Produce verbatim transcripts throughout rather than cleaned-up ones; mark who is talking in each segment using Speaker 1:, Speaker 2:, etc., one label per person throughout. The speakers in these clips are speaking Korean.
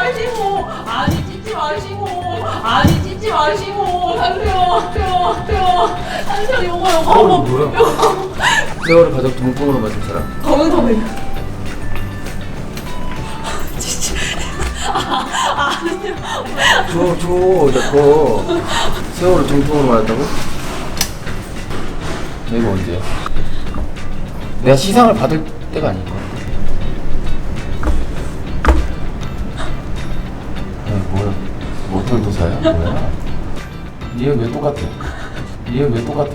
Speaker 1: 마시고 아니 찢지 마시고 아니 찢지 마시고 한세요 세요 세요 한세요 요거 요거
Speaker 2: 어, 뭐야? 세월을 가족 동봉으로 맞은 사람.
Speaker 1: 검은 선배 찢지 아 아니요
Speaker 2: 줘, 줘, 내거 세월을 정통으로 맞았다고? 내가 언제야? 내가 시상을 받을 때가 아닐까? 야, 뭐야? 모털 도사야? 뭐야? 얘 왜 똑같아? 얘 왜 똑같아?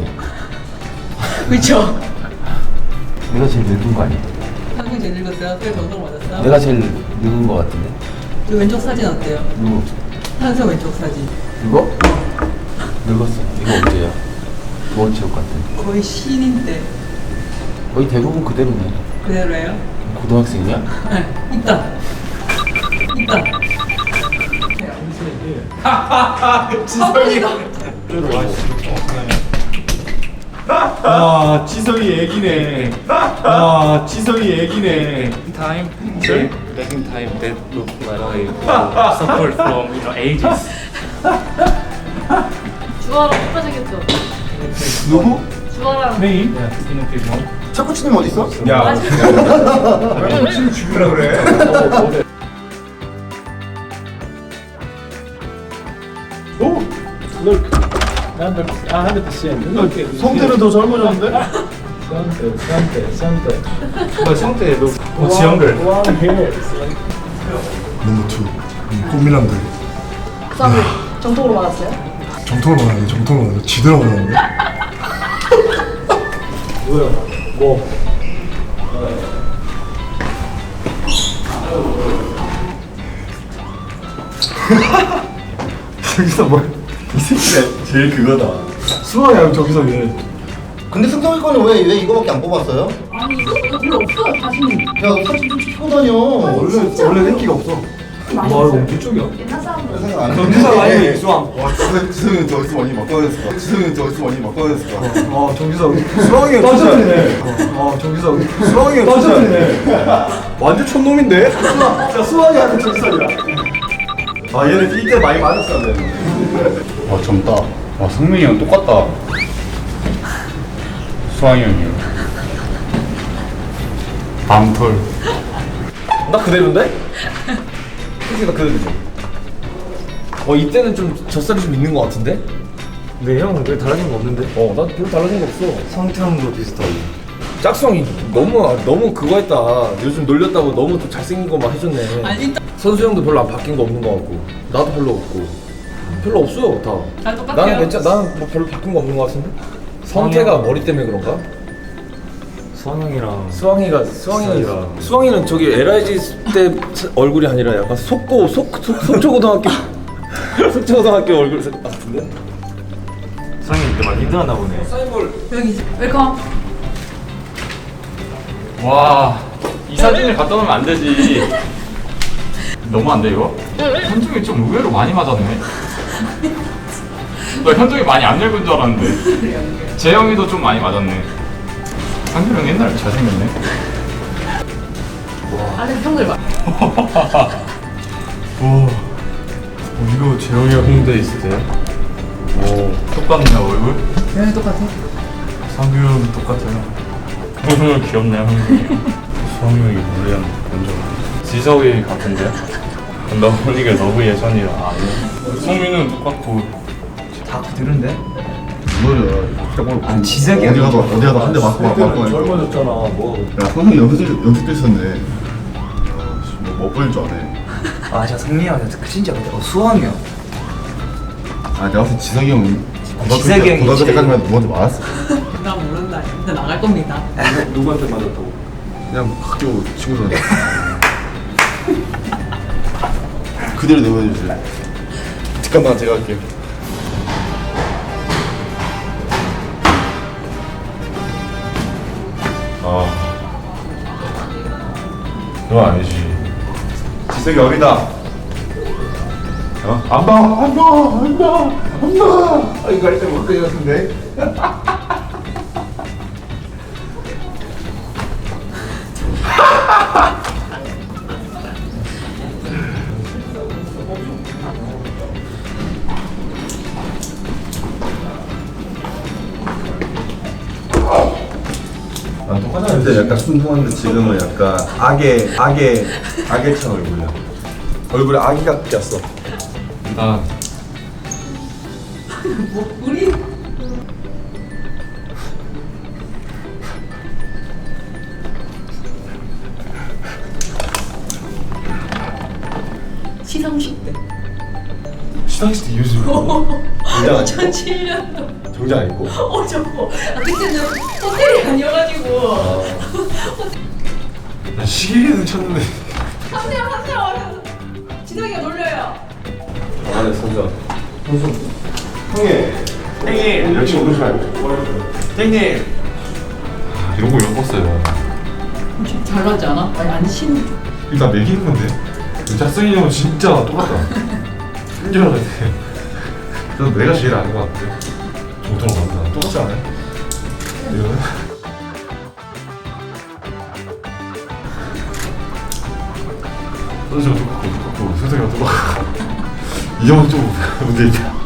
Speaker 1: 그쵸?
Speaker 2: 내가 제일 늙은 거 아니야?
Speaker 1: 한명 제일 늙었어요? 꽤 정성 맞았어요?
Speaker 2: 내가 제일 늙은 거 같은데?
Speaker 1: 그 왼쪽 사진 어때요?
Speaker 2: 누구?
Speaker 1: 한세 왼쪽 사진
Speaker 2: 이거? 늙었어. 이거 언제야? 도원체육 같은.
Speaker 1: 거의 신인 때
Speaker 2: 거의 대부분 그대로네.
Speaker 1: 그대로예요?
Speaker 2: 고등학생이야?
Speaker 1: 네 있다 있다
Speaker 3: 지성이 아 지성이 애기네. 아 지성이 애기네.
Speaker 4: time, sorry, back in time that look like uh, suffered from you know ages.
Speaker 1: 주아랑 똑같았겠죠?
Speaker 5: 누구?
Speaker 1: 주아랑
Speaker 4: Me, yeah, in a few months.
Speaker 5: 차쿠치님 어디 있어?
Speaker 3: 야, 왜 지금 죽이라 그래? 오,
Speaker 4: Look, one hundred percent. Look,
Speaker 5: 성태는 더 젊어졌는데?
Speaker 4: Sante, Sante, Sante.
Speaker 3: 뭐 성태 너 어, 지영들.
Speaker 4: One hair. It's like
Speaker 5: 넘버 투 꽃미남들
Speaker 1: 쌈을 정통으로 맞았어요?
Speaker 5: 정통으로 말하네 정통으로 말하네 지대로 말하네
Speaker 4: 뭐야? 뭐?
Speaker 5: 저기서 뭐이 새끼가 제일 그거다 수아야 저기서 얘 근데 승성이 거는 왜, 왜 이거밖에 안 뽑았어요?
Speaker 1: 아니 이거 이거 별로 없어요 자신이
Speaker 5: 야 사진 좀 찍고 다녀 원래 원래 인기가 없어
Speaker 4: 와, 이거 뒤쪽이야.
Speaker 1: 옛날 사람들
Speaker 5: 생각 안 해.
Speaker 3: 정기사 아니면 이수왕.
Speaker 5: 와 지성, 지성이는 저기서 많이 막 꺼냈을까 지성이는 저기서 많이 막 꺼냈을까
Speaker 3: 어 정기사 수왕이
Speaker 5: 떠졌네.
Speaker 3: 어 정기사 수왕이 떠졌네. 완전 촌놈인데?
Speaker 5: 진짜 수아이한테 정설이야 아 얘는 이때 많이 맞았어야 돼
Speaker 6: 와 젊다. 와 성민이 형 똑같다. 수환이 형이요. 밤톨.
Speaker 2: 나 그대로인데? 솔직히 나 그대로지. 어 이때는 좀 젖살이 좀 있는 거 같은데?
Speaker 3: 네 형은 왜 달라진 거 없는데?
Speaker 2: 어, 난 별로 달라진 거 없어.
Speaker 3: 성태형도 비슷하고.
Speaker 2: 짝성이 너무 너무 그거 했다. 요즘 놀렸다고 너무 또 잘생긴 거만 해줬네.
Speaker 1: 아니 일단
Speaker 2: 선수 형도 별로 안 바뀐 거 없는 거 같고 나도 별로 없고 별로 없어요 다.
Speaker 1: 다 똑같아요.
Speaker 2: 나는 괜찮. 나는 뭐 별로 바뀐 거 없는 거 같은데. 성태가 머리 때문에 그런가?
Speaker 3: 수왕이랑
Speaker 2: 수왕이가 수왕이는
Speaker 3: 수왕이랑.
Speaker 2: 수왕이는 저기 엘아이지 때 얼굴이 아니라 약간 속고 속, 속 속초고등학교 속초고등학교 얼굴 같은데.
Speaker 3: 수왕이 그때 많이 힘들었나 보네.
Speaker 2: 사인볼.
Speaker 1: 여기 웰컴
Speaker 6: 와, 이 사진을 갖다 놓으면 안 되지. 너무 안 돼, 이거? 현종이 좀 의외로 많이 맞았네. 나 현종이 많이 안 늙은 줄 알았는데. 재영이도 좀 많이 맞았네. 상규 형 옛날에 잘생겼네.
Speaker 1: 안에 평들 봐
Speaker 3: 오, 어, 이거 재영이 형 홍대 있을 때. 오, 똑같네 얼굴.
Speaker 1: 여기 똑같아
Speaker 3: 상규 형 똑같아요.
Speaker 6: 오늘 귀엽네, 형이.
Speaker 3: 수왕이 형이 원래 먼저.
Speaker 6: 지석이 같은데? 너 이게 너무 예전이라 아니. 성민은 똑같고.
Speaker 3: 다 그대로인데?
Speaker 5: 뭐야
Speaker 3: 아니, 지색이
Speaker 5: 어디 가도 어디 가도 한 대 맞고 맞고 맞고
Speaker 3: 젊어졌잖아. 뭐.
Speaker 5: 야 성형 연습 연습도 있었네 뭐 보일 줄 아네
Speaker 3: 아, 진짜 성민이 형 진짜 근데 어, 수왕이 형.
Speaker 5: 아 내가 봤을 때 지성이 형
Speaker 3: 지석이 형이지.
Speaker 5: 고등학교 때까지만 누구한테 맞았어
Speaker 1: 나 모른다 진짜 나갈 겁니다
Speaker 3: 누구한테 맞았다고?
Speaker 5: 그냥 학교 친구들한테 그대로 내보내주세요 잠깐만 제가 할게요 아 그건 아니지 지석이 어리다 어? 안 봐! 안 봐! 안 봐! 안 봐! 아 이거 할 때 못 걸렸는데
Speaker 2: 똑같아요.
Speaker 7: 그때 약간 순수한데 지금은 약간 악의 악의 악의 찬 얼굴이야. 얼굴에 아기가 꼈어.
Speaker 3: 일단
Speaker 1: 뭐 우리 시상식 때
Speaker 7: 시상식 때 요즘 정장 안 입고
Speaker 1: 이천칠 년도
Speaker 7: 정장 안 입고.
Speaker 1: 어 저거 아, 그때는 호텔이 아니어가지고
Speaker 7: 나 시계는 쳤는데.
Speaker 1: 하세요 하세요 진혁이가 놀려요.
Speaker 7: 안에 선수. 선수. 형님. 형님. 역시 오늘 말고. 형님.
Speaker 3: 아, 이런 거 엮었어요.
Speaker 1: 잘 나지 않아? 아니 안 신.
Speaker 3: 일단 매기는 건데. 자승이 형은 진짜 똑같다. 끈줄 알았네. 그래서 내가 제일 아는 것 같아. 정도로 맞나? 똑같지 않아요? 이거는? 선수가 똑같고 똑같고 세상이가 똑같고 이 형은 좀 문제 있다.